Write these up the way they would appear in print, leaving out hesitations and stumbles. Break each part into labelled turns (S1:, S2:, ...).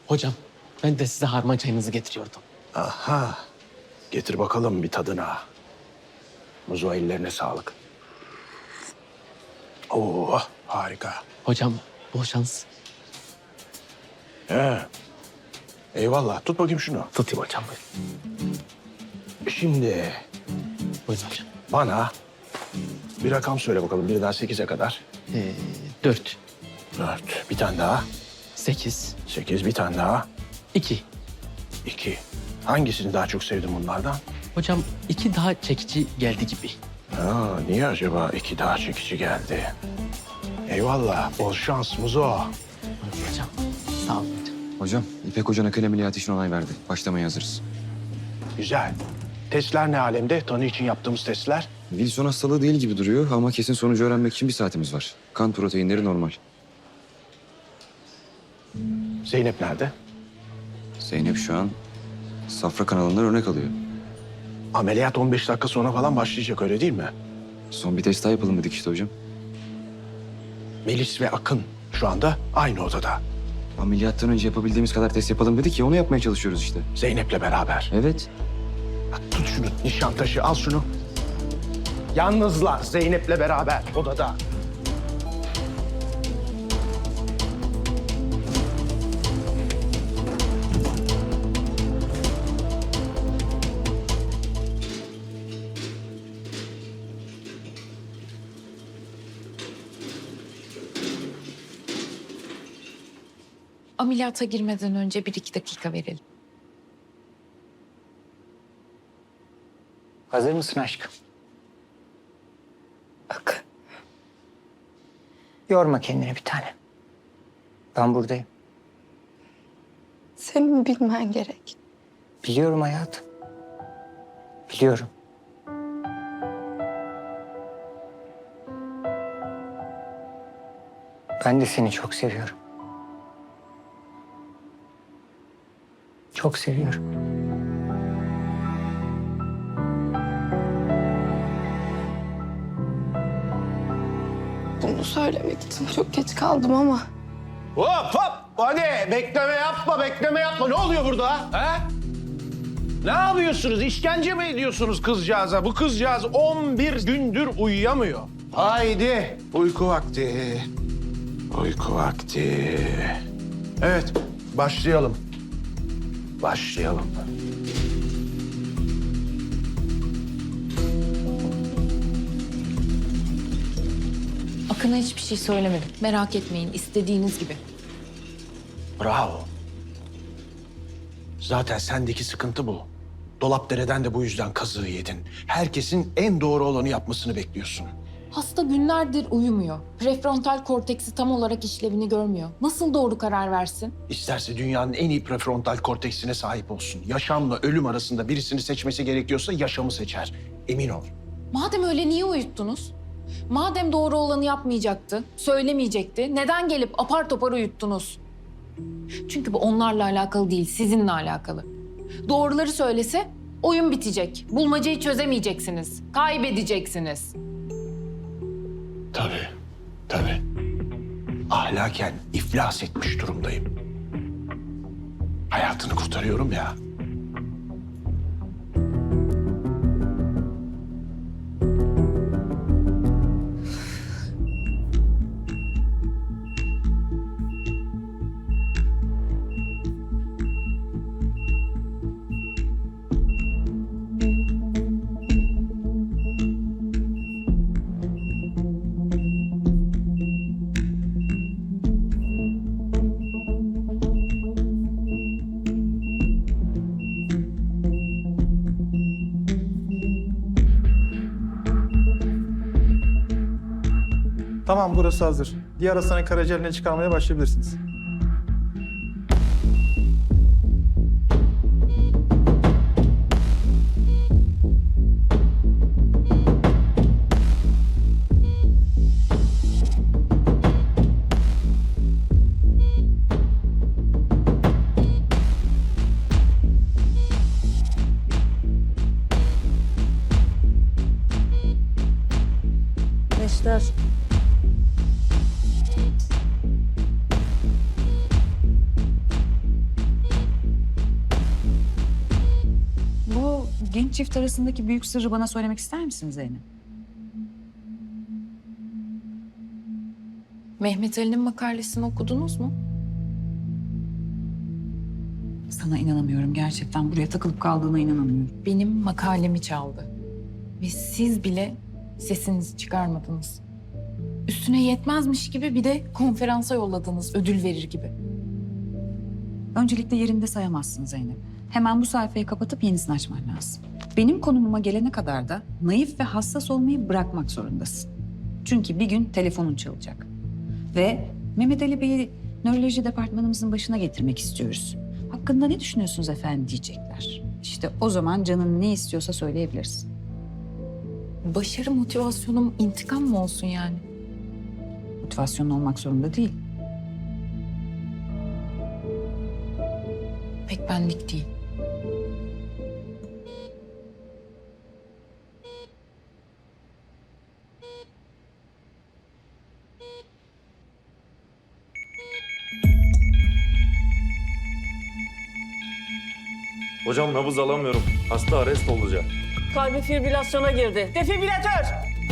S1: Hocam ben de size harman çayınızı getiriyordum.
S2: Aha. Getir bakalım bir tadına. Muzo ellerine sağlık. Oo, harika.
S1: Hocam bol şans.
S2: He. Eyvallah. Tut bakayım şunu.
S1: Tutayım hocam buyurun.
S2: Şimdi
S1: Buyurun hocam.
S2: bana bir rakam söyle bakalım. Birden 8'e kadar.
S1: 4,
S2: 4. Bir tane daha.
S1: 8,
S2: 8. Bir tane daha.
S1: 2.
S2: 2. Hangisini daha çok sevdin bunlardan?
S1: Hocam 2 daha çekici geldi gibi.
S2: Ha, niye acaba 2 daha çekici geldi? Eyvallah. Bol şans Muzo.
S1: Buyurun hocam. Sağ olun hocam.
S3: Hocam, İpek Hoca nakil ameliyatı için onay verdi. Başlamaya hazırız.
S2: Güzel. Testler ne alemde? Tanı için yaptığımız testler.
S3: Wilson hastalığı değil gibi duruyor ama kesin sonucu öğrenmek için 1 saatimiz var. Kan proteinleri normal.
S2: Zeynep nerede?
S3: Zeynep şu an safra kanalından örnek alıyor.
S2: Ameliyat 15 dakika sonra falan başlayacak öyle değil mi?
S3: Son bir test daha yapalım dedik işte hocam.
S2: Melis ve Akın şu anda aynı odada.
S3: Ameliyattan önce yapabildiğimiz kadar test yapalım dedik ya onu yapmaya çalışıyoruz işte.
S2: Zeynep'le beraber.
S3: Evet.
S2: Bak, tut şunu Nişantaşı al şunu. Yalnızlar Zeynep'le beraber odada.
S4: Ameliyata girmeden önce 1-2 dakika verelim.
S5: Hazır mısın aşkım? Bak. Yorma kendini bir tane. Ben buradayım.
S6: Senin bilmen gerek.
S5: Biliyorum hayatım. Biliyorum. Ben de seni çok seviyorum. Çok seviyorum.
S6: Bunu söylemek için çok geç kaldım ama
S2: Hop hop! Hadi bekleme yapma, bekleme yapma. Ne oluyor burada? He? Ne yapıyorsunuz? İşkence mi ediyorsunuz kızcağıza? Bu kızcağız 11 gündür uyuyamıyor. Haydi uyku vakti. Uyku vakti. Evet, başlayalım. Başlayalım.
S4: Akın'a hiçbir şey söylemedim. Merak etmeyin, istediğiniz gibi.
S2: Bravo. Zaten sendeki sıkıntı bu. Dolapdere'den de bu yüzden kazığı yedin. Herkesin en doğru olanı yapmasını bekliyorsun.
S4: Hasta günlerdir uyumuyor. Prefrontal korteksi tam olarak işlevini görmüyor. Nasıl doğru karar versin?
S2: İsterse dünyanın en iyi prefrontal korteksine sahip olsun. Yaşamla ölüm arasında birisini seçmesi gerekiyorsa yaşamı seçer. Emin ol.
S4: Madem öyle niye uyuttunuz? Madem doğru olanı yapmayacaktı, söylemeyecekti, neden gelip apar topar uyuttunuz? Çünkü bu onlarla alakalı değil, sizinle alakalı. Doğruları söylese oyun bitecek. Bulmacayı çözemeyeceksiniz. Kaybedeceksiniz.
S2: Tabii, tabii. Ahlaken iflas etmiş durumdayım. Hayatını kurtarıyorum ya.
S7: Tamam, burası hazır. Diğer hastanın karaciğerini çıkarmaya başlayabilirsiniz.
S6: Neşter.
S8: Neşter. genç çift arasındaki büyük sırrı bana söylemek ister misin Zeynep?
S4: Mehmet Ali'nin makalesini okudunuz mu?
S8: Sana inanamıyorum gerçekten. Buraya takılıp kaldığına inanamıyorum.
S4: Benim makalemi çaldı. Ve siz bile sesinizi çıkarmadınız. Üstüne yetmezmiş gibi bir de konferansa yolladınız ödül verir gibi.
S8: Öncelikle yerinde sayamazsın Zeynep. Hemen bu sayfayı kapatıp yenisini açman lazım. Benim konumuma gelene kadar da naif ve hassas olmayı bırakmak zorundasın. Çünkü bir gün telefonun çalacak. Ve Mehmet Ali Bey'i nöroloji departmanımızın başına getirmek istiyoruz. Hakkında ne düşünüyorsunuz efendim diyecekler. İşte o zaman canın ne istiyorsa söyleyebilirsin.
S4: Başarı motivasyonum intikam mı olsun yani?
S8: Motivasyonun olmak zorunda değil.
S4: Pek benlik değil.
S9: Hocam nabız alamıyorum. Hasta arrest olacak.
S10: Kalbi fibrilasyona girdi. Defibrilatör!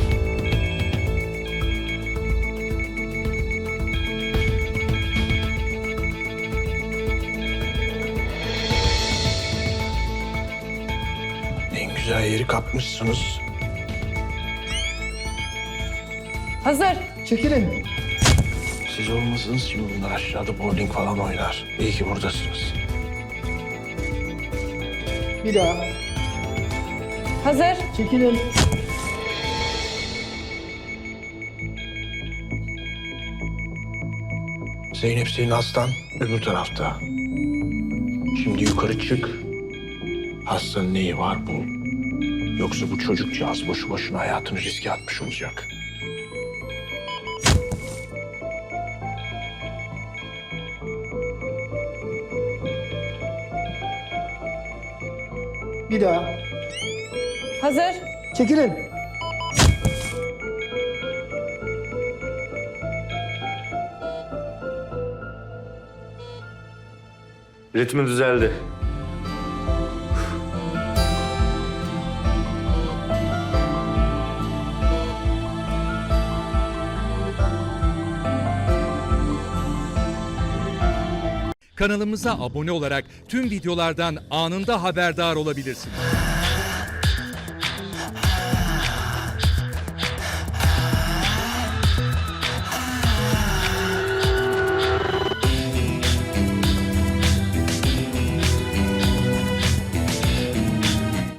S2: En güzel yeri kapmışsınız.
S10: Hazır.
S7: Çekilin.
S2: Siz olmasanız şimdi bunlar aşağıda bowling falan oynar. İyi ki buradasınız.
S7: Bir daha.
S10: Hazır.
S7: Çekilin.
S2: Zeynep senin hastan öbür tarafta. Şimdi yukarı çık. Hastanın neyi var bul. Yoksa bu çocukcağız boşu boşuna hayatını riske atmış olacak.
S7: Bir daha.
S10: Hazır.
S7: Çekilin.
S9: Ritmi düzeldi.
S11: Kanalımıza abone olarak tüm videolardan anında haberdar olabilirsiniz.